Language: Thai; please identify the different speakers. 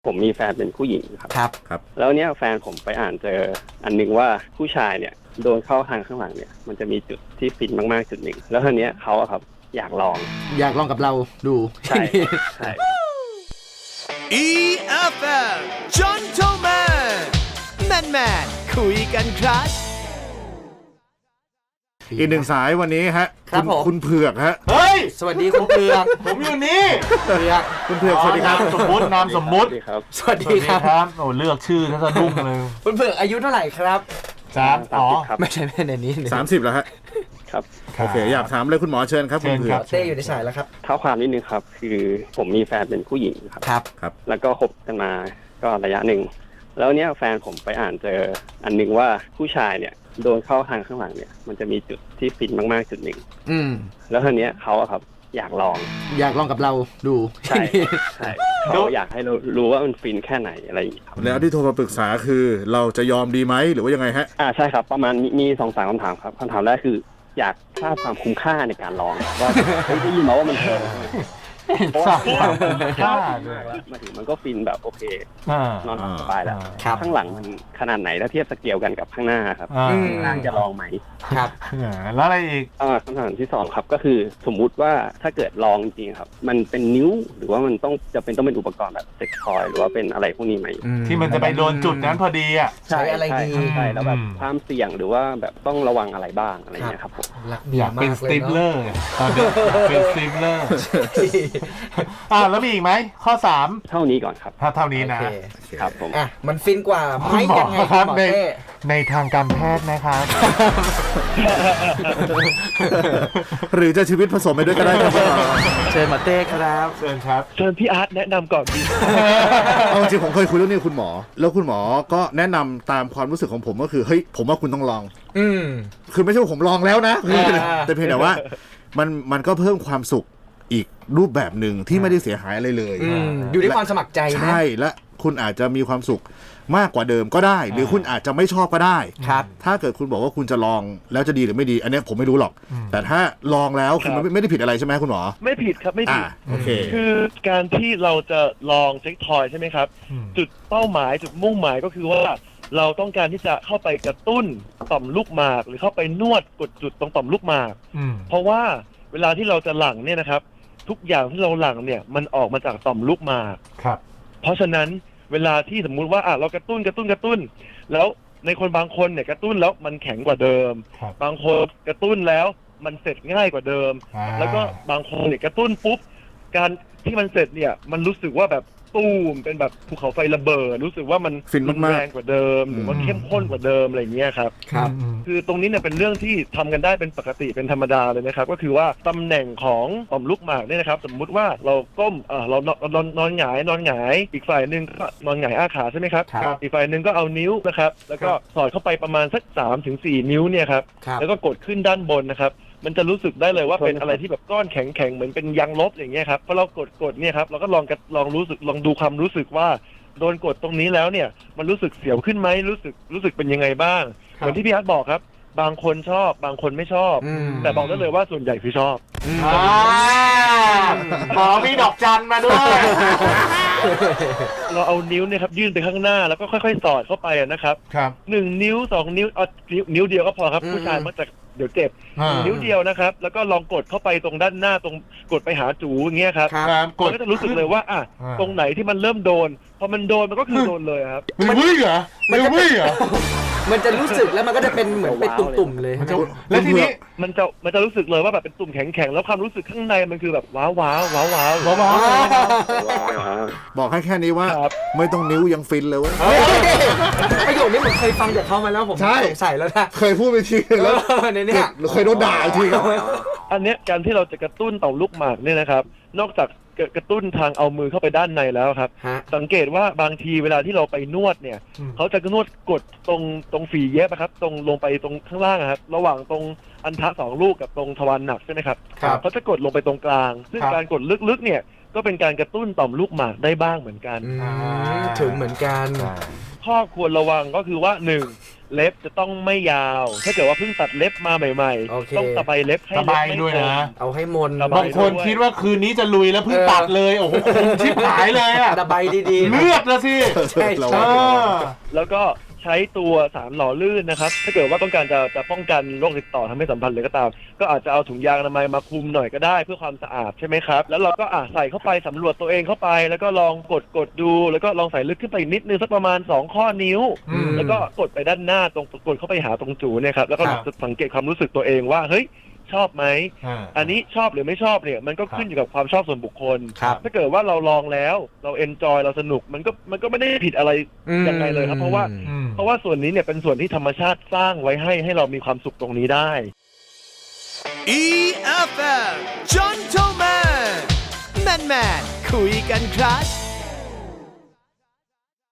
Speaker 1: ผมมีแฟนเป็นผู้หญิงครับ
Speaker 2: ครับ
Speaker 1: แล้วเนี้ยแฟนผมไปอ่านเจออันนึงว่าผู้ชายเนี่ยโดนเข้าทางข้างหลังเนี่ยมันจะมีจุดที่ฟินมากๆจุดหนึ่งแล้วทีเนี้ยเขาอะครับอยากลอง
Speaker 2: กับเราดู
Speaker 1: ใช่ใช่
Speaker 3: EFM Gentleman Man คุยกันครับ
Speaker 4: อีกหนึ่งสายวันนี้ฮะคุณเผือกฮะ
Speaker 2: เฮ้ยสวัสดีคุณเผือก
Speaker 5: ผมอยู่นี่
Speaker 2: เผือก
Speaker 4: คุณเผือกสวัสดีครับ
Speaker 5: สมมุตินามสมมุติ
Speaker 2: สวัสดีครับ
Speaker 5: โอ้เลือกชื่อถ้าสะดุ้งเลย
Speaker 2: คุณเผือกอายุเท่าไหร่ครับ
Speaker 1: 30ครับ
Speaker 2: ไม่ใช่ในนี้
Speaker 4: 30แล้วฮะ
Speaker 1: ครับ
Speaker 4: โอเคอยากถามเลยคุณหมอเชิญครับคุณเผือก
Speaker 2: เต้อยู่ในสายแล้วครับ
Speaker 1: เท้าความนิดนึงครับคือผมมีแฟนเป็นผู้หญิง
Speaker 4: ครับ
Speaker 1: แล้วก็คบกันมาก็ระยะหนึ่งแล้วเนี้ยแฟนผมไปอ่านเจออันนึงว่าผู้ชายเนี่ยโดนเข้าทางข้างหลังเนี่ยมันจะมีจุดที่ฟินมากๆจุดหนึ่งแล้วทีเนี้ยเขาอะครับอยากลอง
Speaker 2: กับเราดู
Speaker 1: ใช่เขาอยากให้เรารู้ว่ามันฟินแค่ไหนอะไรอย่างนี้ครับ
Speaker 4: แล้วที่โทรมาปรึกษาคือเราจะยอมดีไหมหรือว่ายังไงฮะ
Speaker 1: ใช่ครับประมาณมี2-3คำถามครับคำถามแรกคืออยากทราบความคุ้มค่าในการลองว่าได้ยินมาว่ามันแพงเพราะว่ามาถึงมันก็ฟินแบบโอเคนอนสบายแล้วข้างหลังมันขนาดไหนถ้าเทียบสเกลกันกับข้างหน้าครับข้างจะลองไหม
Speaker 5: ครับแล้วอะไรอีก
Speaker 1: คำถามที่2ครับก็คือสมมุติว่าถ้าเกิดลองจริงครับมันเป็นนิ้วหรือว่ามันต้องเป็นอุปกรณ์แบบเซ็กทอยหรือว่าเป็นอะไรพวกนี้ไหม
Speaker 5: ที่มันจะไปโดนจุดนั้นพอดีอ่ะ
Speaker 2: ใช้อะไรดี
Speaker 1: ใช่แล้วแบบความเสี่ยงหรือว่าแบบต้องระวังอะไรบ้างอะไรเงี้ยครับผม
Speaker 5: อยากเป็นสตีฟเลอร์ตอนนี้เป็นสตีฟเลอร์แล้วมีอีกไหมข้อ3
Speaker 1: เท่านี้ก่อนครับ
Speaker 5: ถ้าเท่านี้นะครับ
Speaker 1: ผม
Speaker 2: มันฟินกว่าไหมยังไง
Speaker 5: ครับในทางการแพทย์นะครับ
Speaker 4: หรือจะชีวิตผสมไปด้วยก็ได้ครับ
Speaker 2: เชิญหมอเต้ครับ
Speaker 5: เชิญครับ
Speaker 1: เชิญพี่อาร์ตแนะนำก่อนดี
Speaker 4: จริงผมเคยคุยเรื่องนี้กับคุณหมอแล้วคุณหมอก็แนะนำตามความรู้สึกของผมก็คือเฮ้ยผมว่าคุณต้องลองคือไม่ใช่ว่าผมลองแล้วนะแต่เพียงแต่ว่ามันก็เพิ่มความสุขอีกรูปแบบหนึ่งที่ไม่ได้เสียหายอะไรเลย
Speaker 2: อยู่ที่ความสมัครใจนะ
Speaker 4: ใช่และคุณอาจจะมีความสุขมากกว่าเดิมก็ได้หรือคุณอาจจะไม่ชอบก็ได้
Speaker 2: ครับ
Speaker 4: ถ้าเกิดคุณบอกว่าคุณจะลองแล้วจะดีหรือไม่ดีอันนี้ผมไม่รู้หรอกแต่ถ้าลองแล้วคือมันไม่ได้ผิดอะไรใช่ไหมคุณหมอ
Speaker 6: ไม่ผิดครับไม่ผิด
Speaker 4: โอเค
Speaker 6: คือการที่เราจะลองเซ็กทอยใช่ไหมครับจุดเป้าหมายจุดมุ่งหมายก็คือว่าเราต้องการที่จะเข้าไปกระตุ้นต่อมลูกหมากหรือเข้าไปนวดกดจุดตรงต่อมลูกหมากเพราะว่าเวลาที่เราจะหลั่งเนี่ยนะครับทุกอย่างที่เราหลั่งเนี่ยมันออกมาจากต่อมลูกหมาก
Speaker 5: ครับ
Speaker 6: เพราะฉะนั้นเวลาที่สมมุติว่าเรากระตุ้นแล้วในคนบางคนเนี่ยกระตุ้นแล้วมันแข็งกว่าเดิมบางคนกระตุ้นแล้วมันเสร็จง่ายกว่าเดิมแล้วก็บางคนเนี่ยกระตุ้นปุ๊บการที่มันเสร็จเนี่ยมันรู้สึกว่าแบบตูมเป็นแบบภูเขาไฟระเบิดรู้สึกว่ามันแรงกว่าเดิมหรือว่าเข้มข้นกว่าเดิมอะไรเงี้ยครับคือตรงนี้เนี่ยเป็นเรื่องที่ทำกันได้เป็นปกติเป็นธรรมดาเลยนะครับก็คือว่าตำแหน่งของต่อมลูกหมากเนี่ยนะครับสมมุติว่าเราก้มเรานอนหงายอีกฝ่ายนึงก็นอนหงายอ้าขาใช่ไหมครับอีกฝ่ายนึงก็เอานิ้วนะครับแล้วก็สอดเข้าไปประมาณสัก 3-4 นิ้วเนี่ยครับแล้วก็กดขึ้นด้านบนนะครับมันจะรู้สึกได้เลยว่าเป็นอะไรที่แบบก้อนแข็งๆเหมือนเป็นยางลบอย่างเงี้ยครับพอเรากดเนี่ยครับเราก็ลองรู้สึกลองดูความรู้สึกว่าโดนกดตรงนี้แล้วเนี่ยมันรู้สึกเสียวขึ้นไหมรู้สึกเป็นยังไงบ้างเหมือนที่พี่อาร์ตบอกครับบางคนชอบบางคนไม่ชอบแต่บอกได้เลยว่าส่วนใหญ่คือชอบ
Speaker 5: หมอมีดอกจันมาด้วย
Speaker 6: เราเอานิ้วเนี่ยครับยื่นไปข้างหน้าแล้วก็ค่อยๆสอดเข้าไปนะครับ1 นิ้ว 2 นิ้วนิ้วเดียวก็พอครับผู้ชายมักจะเดี๋ยวเจ็บนิ้วเดียวนะครับแล้วก็ลองกดเข้าไปตรงด้านหน้าตรงกดไปหาจูอย่างเงี้ยครับก็จะรู้สึกเลยว่าตรงไหนที่มันเริ่มโดนพอมันโดนมันก็คือโดนเลยครับ
Speaker 5: มันวิ่งเหรอ
Speaker 2: มันจะรู้สึกแล้วมันก็จะเป็นเหมือนเป็นตุ่มๆเลย
Speaker 6: แล้วทีนี้มันจะรู้สึกเลยว่าแบบเป็นตุ่มแข็งๆแล้วความรู้สึกข้างในมันคือแบบว้าว
Speaker 4: บอกให้แค่นี้ว่าไม่ต้องนิ้วยังฟินเลยเว้ย
Speaker 2: ประโยคนี้ผมเคยฟังจากเขามาแล้วผมสงสัยแล้วนะ
Speaker 4: เคยพูดไปทีแล้ว
Speaker 2: ในนี้
Speaker 4: เคยโดนด่าทีครับ
Speaker 6: อันเนี้ยการที่เราจะกระตุ้นต่อมลูกหมากเนี่ยนะครับนอกจากกระตุ้นทางเอามือเข้าไปด้านในแล้วครับสังเกตว่าบางทีเวลาที่เราไปนวดเนี่ยเขาจะนวดกดตรงฝีเย็บนะครับตรงลงไปตรงข้างล่างครับระหว่างตรงอันทะ2 ลูกกับตรงทวารหนักใช่ไหมครับเขาจะกดลงไปตรงกลางซึ่งการกดลึกๆเนี่ยก็เป็นการกระตุ้นต่อมลูกหมากได้บ้างเหมือนกัน
Speaker 2: ถึงเหมือนกัน
Speaker 6: ข้อควรระวังก็คือว่า1 เล็บจะต้องไม่ยาว ถ้าเกิดว่าเพิ่งตัดเล็บมาใหม่
Speaker 2: โอเค
Speaker 6: ๆต้องตะไบเล็บให้
Speaker 5: ตะ
Speaker 6: เล็
Speaker 5: ไบ
Speaker 6: ไม่
Speaker 5: ด้วยนะ
Speaker 2: เอาให้มน
Speaker 6: ตะไ
Speaker 5: บางคนคิดว่าคืนนี้จะลุยแล้วเพิ่งตัดเลย โอ้โหคงชิบหายเลยอะ
Speaker 2: ตะไบดีๆ
Speaker 5: เลือดนะสิ
Speaker 2: ใช่
Speaker 4: เรา
Speaker 5: เอ
Speaker 2: ใช่
Speaker 5: อ
Speaker 6: แล้วก็ใช้ตัวสารหล่อลื่นนะครับ ถ้าเกิดว่าต้องการจะป้องกันโรคติดต่อทำให้สัมพันธ์เลยก็ตาม ก็อาจจะเอาถุงยางอนามัยมาคลุมหน่อยก็ได้เพื่อความสะอาดใช่ไหมครับ แล้วเราก็ใส่เข้าไปสำรวจตัวเองเข้าไป แล้วก็ลองกดดู แล้วก็ลองใส่ลึกขึ้นไปอีกนิดนึงสักประมาณ2ข้อนิ้ว
Speaker 5: อืม
Speaker 6: แล้วก็กดไปด้านหน้าตรงกดเข้าไปหาตรงจูเนี่ยครับ แล้วก็
Speaker 5: ครับ
Speaker 6: สังเกตความรู้สึกตัวเองว่าเฮ้ยชอบไหม อัน
Speaker 5: น
Speaker 6: นี้ชอบหรือไม่ชอบเนี่ยมันก็ขึ้นอยู่กับความชอบส่วนบุคคล
Speaker 2: ครับ
Speaker 6: ถ้าเกิดว่าเราลองแล้วเราเอนจอยเราสนุกมันก็ไม่ได้ผิดอะไรยังไงเลยครับ เพราะว่าส่วนนี้เนี่ยเป็นส่วนที่ธรรมชาติสร้างไว้ให้เรามีความสุขตรงนี้ได้
Speaker 3: EFM Gentleman Man คุยกันครับ